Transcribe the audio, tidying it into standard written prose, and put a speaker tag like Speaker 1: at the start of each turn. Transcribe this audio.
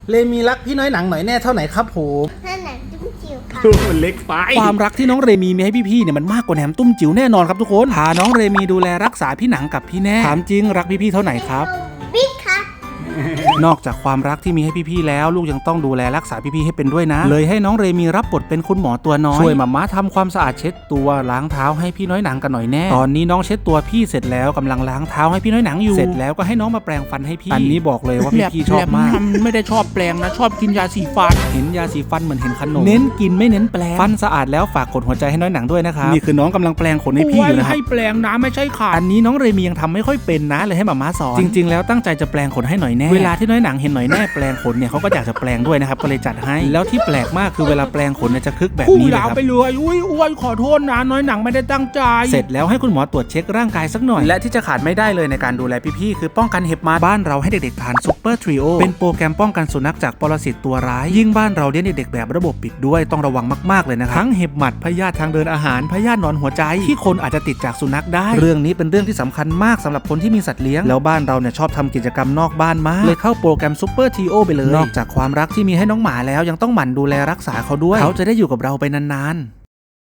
Speaker 1: เลมีรักพี่น้อยหนังหน่อยแน่เท่าไหนครับผม
Speaker 2: นั่นหนังจุ๊บจิ๋วค่ะ
Speaker 3: มันเล็กไป
Speaker 1: ความรักที่น้องเรมีมีให้พี่ๆเนี่ยมันมากกว่าแหนมตุ้มจิ๋วแน่นอนครับทุกคนพาน้องเรมีดูแลรักษาพี่หนังกับพี่แน่ถามจริงรักพี่ๆเท่าไหนครับ
Speaker 2: บิ๊กค่ะ
Speaker 1: นอกจากความรักที่มีให้พี่ๆแล้วลูกยังต้องดูแลรักษาพี่ๆให้เป็นด้วยนะเลยให้น้องเรมีรับบทเป็นคุณหมอตัวน้อยช่วยมาม่าทำความสะอาดเช็ดตัวล้างเท้าให้พี่น้อยหนังกันหน่อยแน่ตอนนี้น้องเช็ดตัวพี่เสร็จแล้วกำลังล้างเท้าให้พี่น้อยหนังอยู่เสร็จแล้วก็ให้น้องมาแปรงฟันให้พี่อันนี้บอกเลยว่าพี่ๆชอบมาก
Speaker 3: ไม่ได้ชอบแปลงนะชอบกินยาสีฟัน
Speaker 1: เห็นยาสีฟันเหมือนเห็นขนมเน้นกินไม่เน้นแปลงฟันสะอาดแล้วฝากกดหัวใจให้น้อยหนังด้วยนะครับนี่คือน้องกำลังแปลงขนให้พี่อยู่นะครับ
Speaker 3: ให้แปลงนะไม่ใช่ขาด
Speaker 1: อันนี้น้องเรมียังทำไม่ค่อยเป็นนะเลยให้มาม่าสอนจริงๆแล้วตั้งใจจะแปลงขนให้หน่อยแน่เวลาที่น้อยหนังเห็นหน่อยแน่แปลงขนเนี่ยเขาก็อยากจะแปลงด้วยนะครับก็เลยจัดให้แล้วที่แปลกมากคือเวลาแปลงขนเนี่ยจะคึกแบบ
Speaker 3: คู่
Speaker 1: นี้เลย
Speaker 3: ยาว
Speaker 1: ครับ
Speaker 3: ไปเลยอุ้ยอ้วนขอโทษนะน้อยหนังไม่ได้ตั้งใจ
Speaker 1: เสร็จแล้วให้คุณหมอตรวจเช็คร่างกายสักหน่อยและที่จะขาดไม่ได้เลยในการดูแลพี่ๆคือป้องกันเห็บหมาบ้านเราให้เด็กๆทานซุปเปอร์ทริโอเป็นโปรแกรมป้องกันสุนัขจากปรสิตตัวร้ายยิ่งบ้านเราเลี้ยงเด็กๆแบบระบบปิดด้วยต้องระวังมากๆเลยนะครับทั้งเห็บหมัดพยาธิทางเดินอาหารพยาธิหนอนหัวใจที่คนอาจจะติดจากสุนัขได้เรื่องนี้เป็นเรื่องที่สำคัญมากสำหรับคนที่มีสัตว์เลี้ยงแล้วบ้านเราเนี่ยชอบทำกิจกรรมนอกบ้านมากเลยเข้าโปรแกรมซุปเปอร์ทริโอไปเลยนอกจากความรักที่มีให้น้องหมาแล้วยังต้องหมั่นดูแลรักษาเขาด้วยเขาจะได้อยู่กับเราไปนานๆ